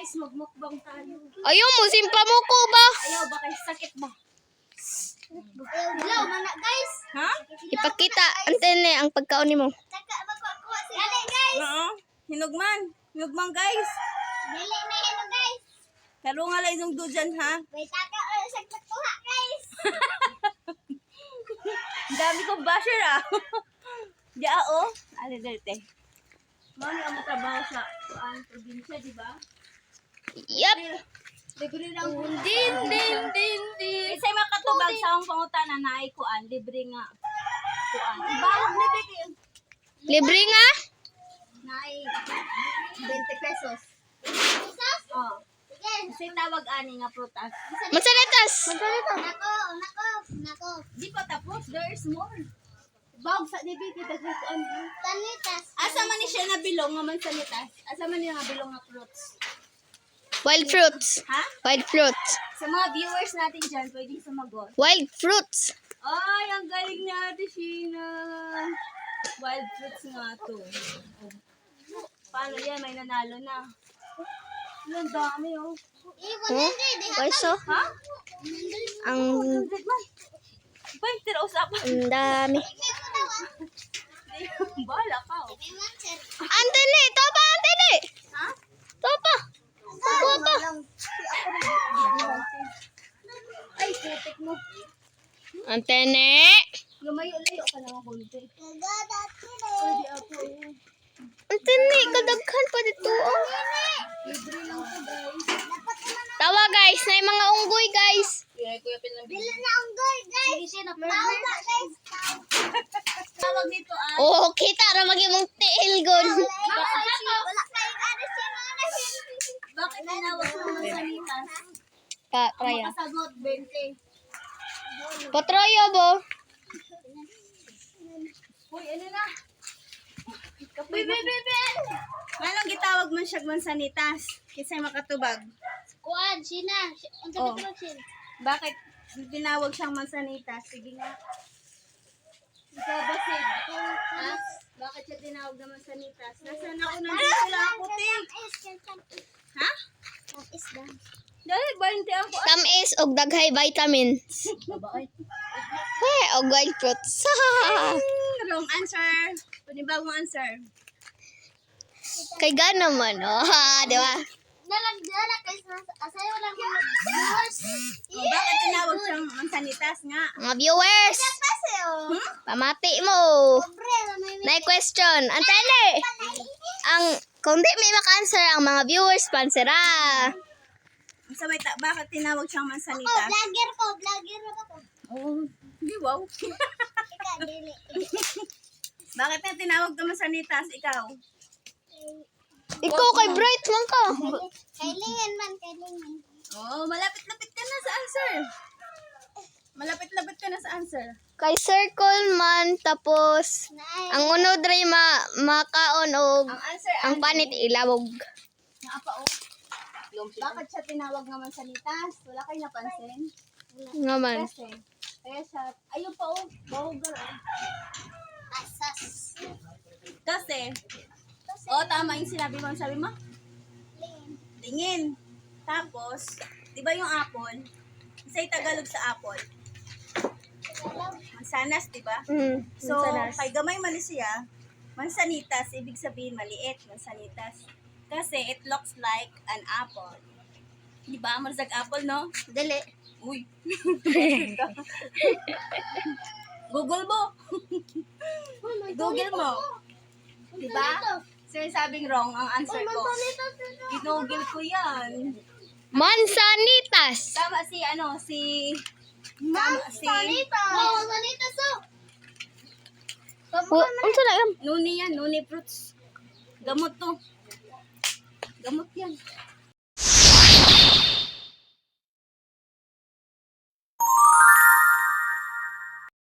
guys, magmukbang tayo. Ayaw mo, simpa mo ko ba? Ayaw ba kayo sakit ba? Hello, mana guys. Ha? Ipakita, antene ang pagkaon mo. Taka magkuha si Dali guys. Oo. Hinugman. Hinugman guys. Dili na yan guys. Karo nga lang yung dudyan ha. May taka sa pagkuha guys. Ang dami kong basher ah. Diya oh. Ano dito? Mami ang trabaho sa probinsya, di ba? Yup. Libre lang po. Din. Isa'y makatubag sa akong pangutana na ay kuan. Libre nga. Kuan. Ibawag na dito. Libre nga? Na ay 20 pesos. Isos? Oh. Sige. Kasi tawag ani nga prutas. Mansanitas. Nako. Di pa tapos. There's more. Bawag sa dibig. Kuan. Tanitas. Asa man ni siya na bilong nga mansanitas? Asa man niya nga bilong nga fruits? Wild fruits. Ha? Wild fruits. Sa mga viewers natin dyan, pwede sumagot. Wild fruits. Ay, ang galing niya, Sheena. Wild fruits nga to. Paano yan? May nanalo na. Ang dami, oh. Oh, pweso. Ha? Ang 100 man. Ba, tira usapan. dami. Bala ka, oh. Antene, topa, antene. Ha? Topa. Topa. Ay, putik mo. Antene. Lumayo-layo ka naman konti. Pwede ako. Antene, kadaghan pa dito. Oh. Libre lang to, guys. Tawa guys, na yung mga unggoy guys. Kuya Pin lang. Bila na ang gold guys. Tawag guys. Tawag dito, ah. Oh, kita ra maging mong tiil gon. Wala kayong ano siya mga Bakit tinawag mo ng salitas? Pa, Ang Raya. makasagot, 20. Patroyo bo. Uy, ano na? Uy, bebe! Manong gitawag man siya mansanitas? Kisa'y makatubag. Kuan, Sina. Unsa Oh. ba Sina? Bakit tinawag siyang mansanitas? Sige nga. Ikaw ba, Sid? Ha? Bakit siya tinawag na mansanitas? Nasa nauna dito lang ako, Ting. Ha? Dahil 20 ako. Tamis og daghay vitamins. Babae. Hey, og wild fruits. Wrong answer. Panibagong answer. Kay gana man, oh. Ha, di ba? Nalagdala guys. Asayo lang yung viewers. Oh, bakit tinawag siyang mansanitas nga? Mga viewers, Paseo. pamati mo. Pobre, may Nay question. Antene. Ang kung di may maka-answer ang mga viewers, pansera. So, wait, bakit tinawag siyang Ako, mansanitas? vlogger ko. Vlogger ako. Oh, di wow. Ika, dili. Bakit na tinawag na mansanitas? Ikaw? Ikaw kay Bright man ka. Kailingan man, kailingan. Oh, malapit-lapit ka na sa answer. Malapit-lapit ka na sa answer. Kay circle man tapos Naay. ang unod ray makaon og Ang answer, ang panit ilawog. Naapa, oh. Bakit siya tinawag nga mansanitas? Wala kayo napansin? Nga man. Kasi, kaya siya, ayun pa, oh. Bahugal, oh. Asas. Kasi, oh, tama yung sinabi mo. Sabi mo? Tingin. Tapos, di ba yung apple? Isa'y Tagalog sa apple. Mansanas, di ba? So, kay gamay man siya, mansanitas, ibig sabihin maliit, mansanitas. Kasi it looks like an apple. Di ba? Marzag apple, no? Dali. Uy. Google mo. Google mo. Di ba? Sir, sabing wrong ang answer ko. Ginugol ko yan. Mansanitas. Tama si, Oh, sanita so. Unsa na yan? Nuni yan, nuni fruits. Gamot to. Gamot yan.